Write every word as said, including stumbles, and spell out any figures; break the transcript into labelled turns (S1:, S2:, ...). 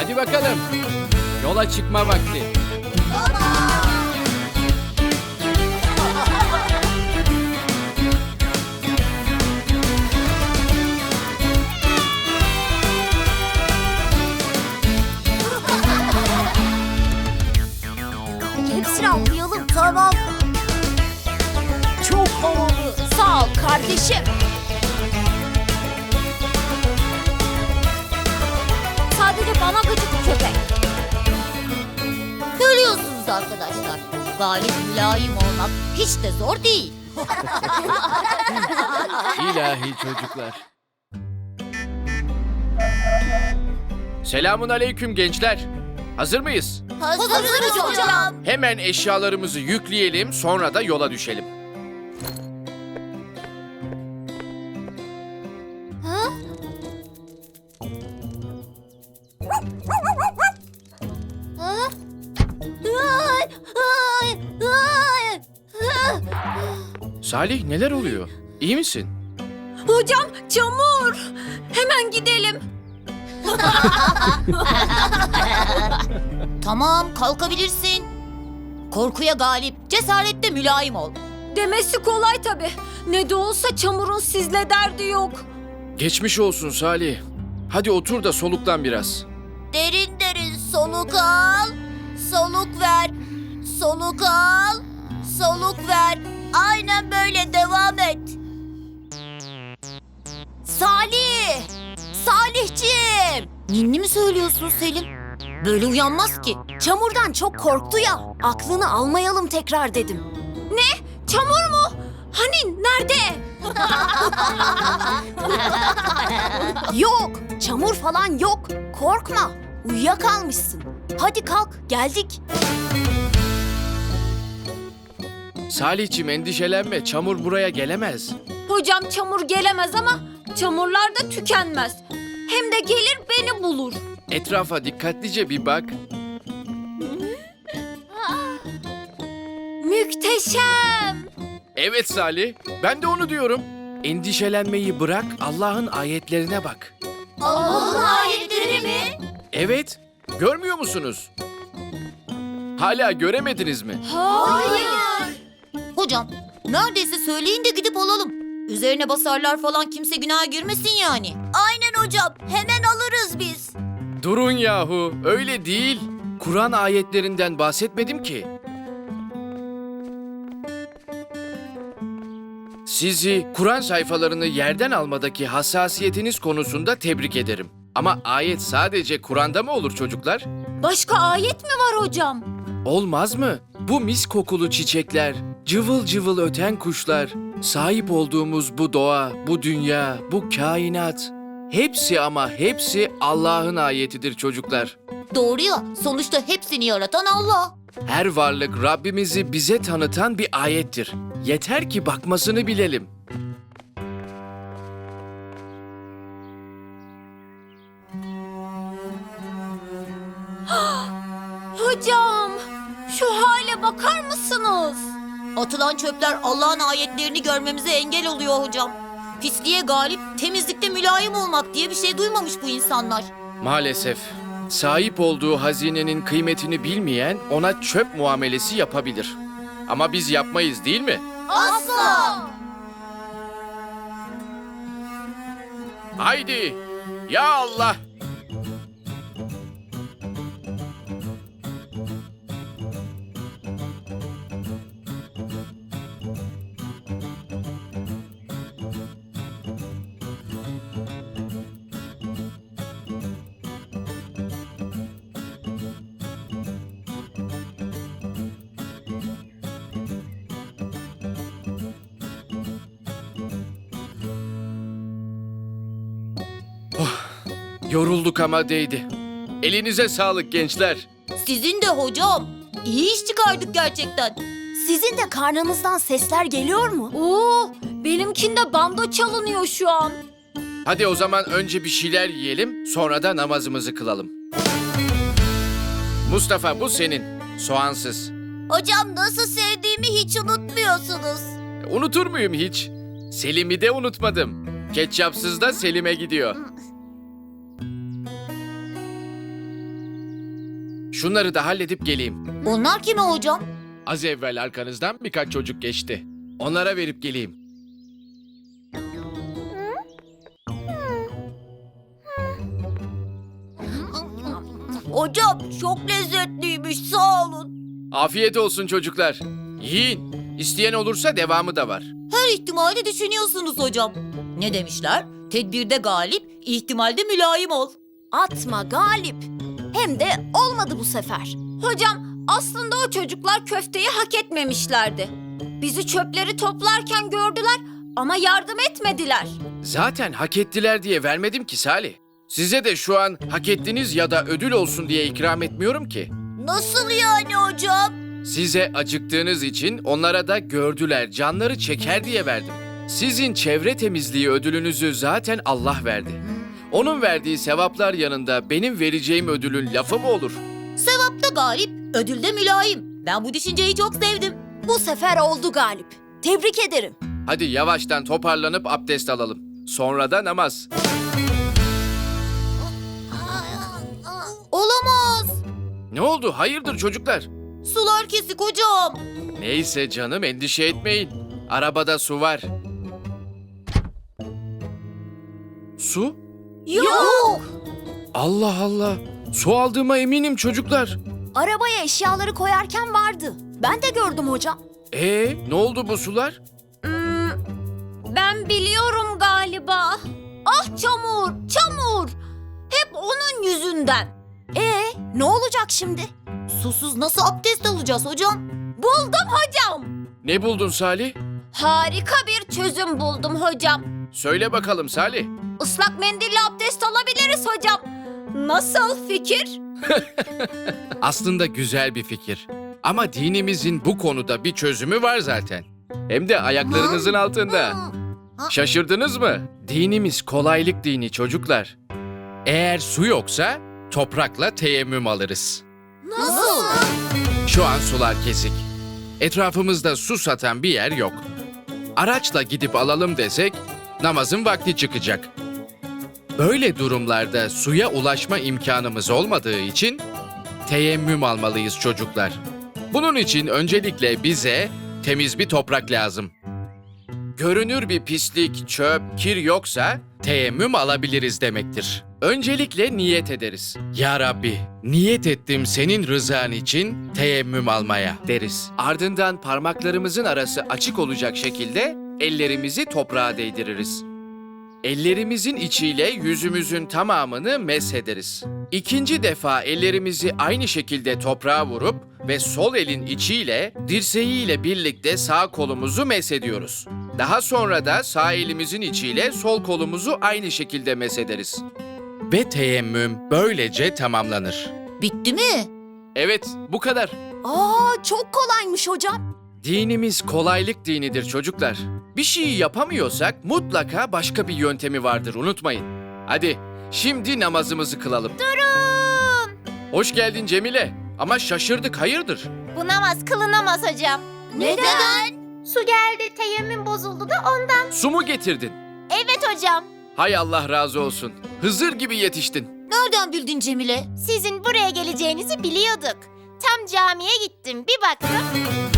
S1: Hadi bakalım. Yola çıkma vakti.
S2: Hepsini atlayalım, tamam. Çok havalı. Sağ ol kardeşim. Sadece bana gıcık köpek. Görüyorsunuz arkadaşlar. Galip mülayim olmak hiç de zor değil.
S1: İlahi çocuklar. Selamun aleyküm gençler. Hazır mıyız?
S2: Hazırız hocam.
S1: Hemen eşyalarımızı yükleyelim, sonra da yola düşelim. Salih, neler oluyor? İyi misin?
S2: Hocam çamur. Hemen gidelim. Tamam, kalkabilirsin. Korkuya galip, cesarette mülayim ol.
S3: Demesi kolay tabii. Ne de olsa çamurun sizle derdi yok.
S1: Geçmiş olsun Salih. Hadi otur da soluklan biraz.
S2: Derin derin soluk al, soluk ver. Soluk al, soluk ver. Aynen böyle devam et. Salih! Salihciğim! Ninni mi söylüyorsun Selim? Böyle uyanmaz ki. Çamurdan çok korktu ya. Aklını almayalım tekrar dedim.
S3: Ne? Çamur mu? Hani nerede?
S2: Yok, çamur falan yok. Korkma. Uyuyakalmışsın. Hadi kalk, geldik.
S1: Salihciğim, endişelenme. Çamur buraya gelemez.
S3: Hocam çamur gelemez ama çamurlar da tükenmez. Hem de gelir beni bulur.
S1: Etrafa dikkatlice bir bak.
S3: Muhteşem.
S1: Evet Salih, ben de onu diyorum. Endişelenmeyi bırak, Allah'ın ayetlerine bak.
S2: Allah'ın ayetleri mi?
S1: Evet, görmüyor musunuz? Hala göremediniz mi?
S3: Hayır.
S2: Hocam, neredeyse söyleyin de gidip alalım. Üzerine basarlar falan, kimse günaha girmesin yani. Aynen hocam, hemen alırız biz.
S1: Durun yahu, öyle değil. Kur'an ayetlerinden bahsetmedim ki. Sizi Kur'an sayfalarını yerden almadaki hassasiyetiniz konusunda tebrik ederim. Ama ayet sadece Kur'an'da mı olur çocuklar?
S3: Başka ayet mi var hocam?
S1: Olmaz mı? Bu mis kokulu çiçekler, cıvıl cıvıl öten kuşlar, sahip olduğumuz bu doğa, bu dünya, bu kainat. Hepsi ama hepsi Allah'ın ayetidir çocuklar.
S2: Doğru ya, sonuçta hepsini yaratan Allah.
S1: Her varlık Rabbimizi bize tanıtan bir ayettir. Yeter ki bakmasını bilelim.
S3: Hocam, şu hale bakar mısınız?
S2: Atılan çöpler Allah'ın ayetlerini görmemize engel oluyor hocam. Pisliğe galip, temizlikte mülayim olmak diye bir şey duymamış bu insanlar.
S1: Maalesef sahip olduğu hazinenin kıymetini bilmeyen ona çöp muamelesi yapabilir. Ama biz yapmayız, değil mi?
S2: Asla!
S1: Haydi! Ya Allah! Yorulduk ama değdi. Elinize sağlık gençler.
S2: Sizin de hocam. İyi iş çıkardık gerçekten. Sizin de karnınızdan sesler geliyor mu?
S3: Oo, benimkinde bando çalınıyor şu an.
S1: Hadi o zaman önce bir şeyler yiyelim, sonra da namazımızı kılalım. Mustafa, bu senin. Soğansız.
S2: Hocam, nasıl sevdiğimi hiç unutmuyorsunuz.
S1: Unutur muyum hiç? Selim'i de unutmadım. Ketçapsız da Selim'e gidiyor. şunları da halledip geleyim.
S2: Onlar kime hocam?
S1: Az evvel arkanızdan birkaç çocuk geçti. Onlara verip geleyim.
S2: Hocam çok lezzetliymiş, sağ olun.
S1: Afiyet olsun çocuklar. Yiyin. İsteyen olursa devamı da var.
S2: Her ihtimali düşünüyorsunuz hocam. Ne demişler? Tedbirde galip, ihtimalde mülayim ol. Atma Galip. Hem de olmadı bu sefer.
S3: Hocam aslında o çocuklar köfteyi hak etmemişlerdi. Bizi çöpleri toplarken gördüler ama yardım etmediler.
S1: Zaten hak ettiler diye vermedim ki Salih. Size de şu an hak ettiniz ya da ödül olsun diye ikram etmiyorum ki.
S2: Nasıl yani hocam?
S1: Size acıktığınız için onlara da gördüler, canları çeker diye verdim. Sizin çevre temizliği ödülünüzü zaten Allah verdi. Onun verdiği sevaplar yanında benim vereceğim ödülün lafı mı olur?
S2: Sevapta galip, ödülde mülayim. Ben bu düşünceyi çok sevdim. Bu sefer oldu Galip. Tebrik ederim.
S1: Hadi yavaştan toparlanıp abdest alalım. Sonra da namaz.
S2: Olamaz.
S1: Ne oldu? Hayırdır çocuklar?
S2: Sular kesik hocam.
S1: Neyse canım, endişe etmeyin. Arabada su var. Su?
S2: Yok.
S1: Allah Allah. Su aldığıma eminim çocuklar.
S2: Arabaya eşyaları koyarken vardı. Ben de gördüm hocam.
S1: Ee, ne oldu bu sular?
S3: Hmm, ben biliyorum galiba. Ah çamur, çamur. Hep onun yüzünden.
S2: Ee, ne olacak şimdi? Susuz nasıl abdest alacağız hocam?
S3: Buldum hocam.
S1: Ne buldun Salih?
S3: Harika bir çözüm buldum hocam.
S1: Söyle bakalım Salih.
S3: Islak mendille abdest alabiliriz hocam. Nasıl fikir?
S1: Aslında güzel bir fikir. Ama dinimizin bu konuda bir çözümü var zaten. Hem de ayaklarınızın altında. Şaşırdınız mı? Dinimiz kolaylık dini çocuklar. Eğer su yoksa toprakla teyemmüm alırız.
S2: Nasıl?
S1: Şu an sular kesik. Etrafımızda su satan bir yer yok. Araçla gidip alalım desek namazın vakti çıkacak. Böyle durumlarda suya ulaşma imkanımız olmadığı için teyemmüm almalıyız çocuklar. Bunun için öncelikle bize temiz bir toprak lazım. Görünür bir pislik, çöp, kir yoksa teyemmüm alabiliriz demektir. Öncelikle niyet ederiz. Ya Rabbi, niyet ettim senin rızan için teyemmüm almaya deriz. Ardından parmaklarımızın arası açık olacak şekilde ellerimizi toprağa değdiririz. Ellerimizin içiyle yüzümüzün tamamını meshederiz. İkinci defa ellerimizi aynı şekilde toprağa vurup ve sol elin içiyle dirseğiyle birlikte sağ kolumuzu meshediyoruz. Daha sonra da sağ elimizin içiyle sol kolumuzu aynı şekilde meshederiz. Ve teyemmüm böylece tamamlanır.
S2: Bitti mi?
S1: Evet, bu kadar.
S2: Aa, çok kolaymış hocam.
S1: Dinimiz kolaylık dinidir çocuklar. Bir şeyi yapamıyorsak mutlaka başka bir yöntemi vardır, unutmayın. Hadi şimdi namazımızı kılalım.
S2: Durun.
S1: Hoş geldin Cemile. Ama şaşırdık, hayırdır?
S4: Bu namaz kılınamaz hocam.
S2: Neden?
S4: Su geldi, teyemmüm bozuldu da ondan.
S1: Su mu getirdin?
S4: Evet hocam.
S1: Hay Allah razı olsun. Hızır gibi yetiştin.
S2: Nereden bildin Cemile?
S4: Sizin buraya geleceğinizi biliyorduk. Tam camiye gittim, bir baktım.